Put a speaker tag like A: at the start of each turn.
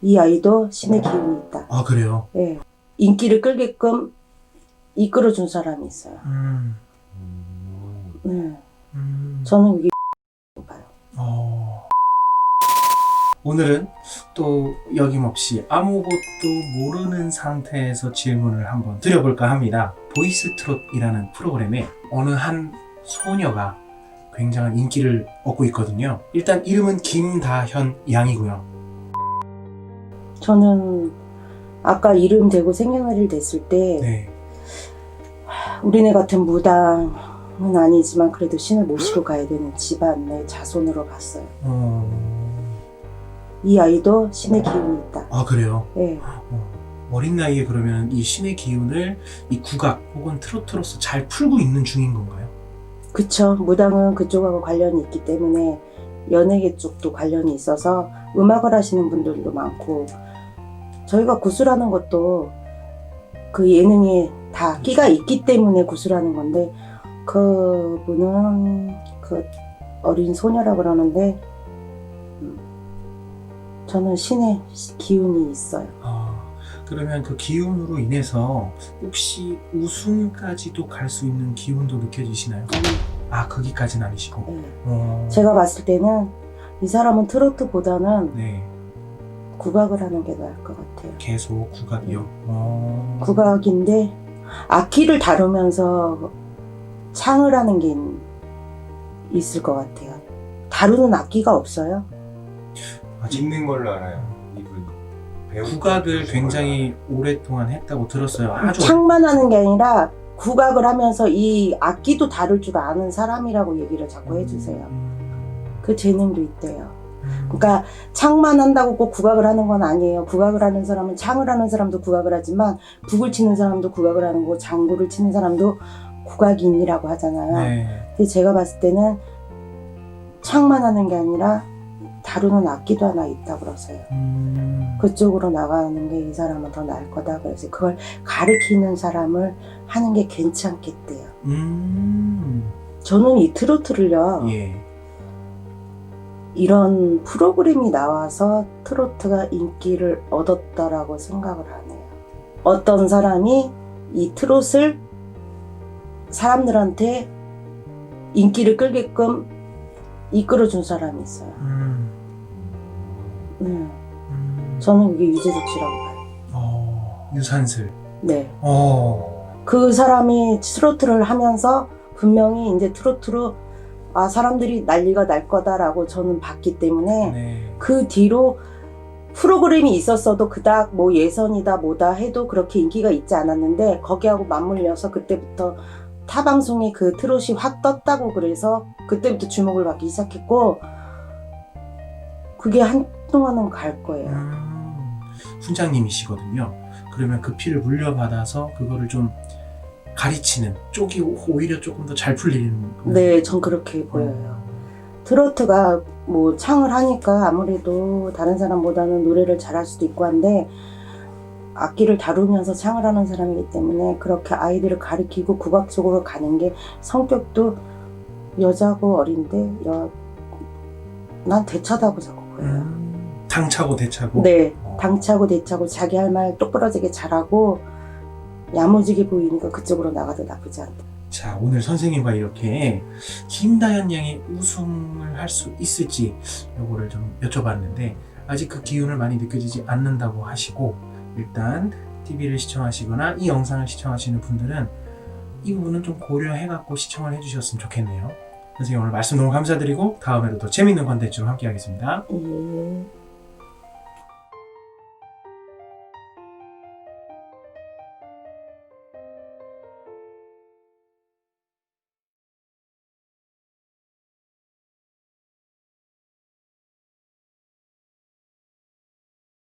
A: 이 아이도 신의 기운이 있다.
B: 아, 그래요?
A: 예. 인기를 끌게끔 이끌어준 사람이 있어요. 네. 저는 이게 봐요.
B: 오늘은 또 여김없이 아무것도 모르는 상태에서 질문을 한번 드려볼까 합니다. 보이스트롯이라는 프로그램에 어느 한 소녀가 굉장한 인기를 얻고 있거든요. 일단 이름은 김다현 양이고요.
A: 저는 아까 이름 대고 생년월일 됐을 때
B: 네.
A: 우리네 같은 무당은 아니지만 그래도 신을 모시고 가야 되는 집안의 자손으로 봤어요. 이 아이도 신의 기운이 있다.
B: 아, 그래요?
A: 네.
B: 어린 나이에 그러면 이 신의 기운을 이 국악 혹은 트로트로서 잘 풀고 있는 중인 건가요?
A: 그쵸. 무당은 그쪽하고 관련이 있기 때문에 연예계 쪽도 관련이 있어서 음악을 하시는 분들도 많고, 저희가 구슬하는 것도 그 예능에 다 끼가 있기 때문에 구슬하는 건데, 그분은 그 어린 소녀라 그러는데 저는 신의 기운이 있어요.
B: 그러면 그 기운으로 인해서 혹시 우승까지도 갈 수 있는 기운도 느껴지시나요? 아, 거기까지는 아니시고.
A: 네. 제가 봤을 때는 이 사람은 트로트보다는
B: 네.
A: 국악을 하는 게 나을 것 같아요.
B: 계속 국악이요?
A: 국악인데 악기를 다루면서 창을 하는 게 있을 것 같아요. 다루는 악기가 없어요.
C: 있는 걸로 알아요. 이분 배우
B: 국악을 굉장히 오랫동안 했다고 들었어요. 아주
A: 창만 하는 게 아니라 국악을 하면서 이 악기도 다룰 줄 아는 사람이라고 얘기를 자꾸 해주세요. 그 재능도 있대요. 그러니까 창만 한다고 꼭 국악을 하는 건 아니에요. 국악을 하는 사람은 창을 하는 사람도 국악을 하지만 북을 치는 사람도 국악을 하는 거고 장구를 치는 사람도 국악인이라고 하잖아요.
B: 네.
A: 근데 제가 봤을 때는 창만 하는 게 아니라 다루는 악기도 하나 있다고 그러세요. 그쪽으로 나가는 게 이 사람은 더 나을 거다. 그래서 그걸 가르치는 사람을 하는 게 괜찮겠대요. 저는 이 트로트를요.
B: 예.
A: 이런 프로그램이 나와서 트로트가 인기를 얻었다라고 생각을 안 해요. 어떤 사람이 이 트롯을 사람들한테 인기를 끌게끔 이끌어준 사람이 있어요. 네. 저는 이게 유재석 씨라고 봐요.
B: 유산슬.
A: 네. 그 사람이 트로트를 하면서 분명히 이제 트로트로 사람들이 난리가 날 거다라고 저는 봤기 때문에
B: 네.
A: 그 뒤로 프로그램이 있었어도 그닥 뭐 예선이다 뭐다 해도 그렇게 인기가 있지 않았는데 거기하고 맞물려서 그때부터 타 방송에 그 트롯이 확 떴다고 그래서 그때부터 주목을 받기 시작했고 그게 한동안은 갈 거예요.
B: 훈장님이시거든요. 그러면 그 피를 물려받아서 그거를 좀 가르치는 쪽이 오히려 조금 더 잘 풀리는.
A: 네, 전 그렇게 보여요. 트로트가 뭐 창을 하니까 아무래도 다른 사람보다는 노래를 잘할 수도 있고 한데 악기를 다루면서 창을 하는 사람이기 때문에 그렇게 아이들을 가르치고 국악 쪽으로 가는 게 성격도 여자고 어린데 난 대차다고 자꾸 보여요.
B: 당차고 대차고.
A: 네, 당차고 대차고 자기 할 말 똑부러지게 잘하고 야무지게 보이니까 그쪽으로 나가도 나쁘지 않다.
B: 자, 오늘 선생님과 이렇게 김다현 양이 우승을 할 수 있을지 요거를 좀 여쭤봤는데 아직 그 기운을 많이 느껴지지 않는다고 하시고 일단 TV를 시청하시거나 이 영상을 시청하시는 분들은 이 부분은 좀 고려해갖고 시청을 해주셨으면 좋겠네요. 선생님 오늘 말씀 너무 감사드리고 다음에도 더 재밌는 컨텐츠로 함께 하겠습니다.
A: 예.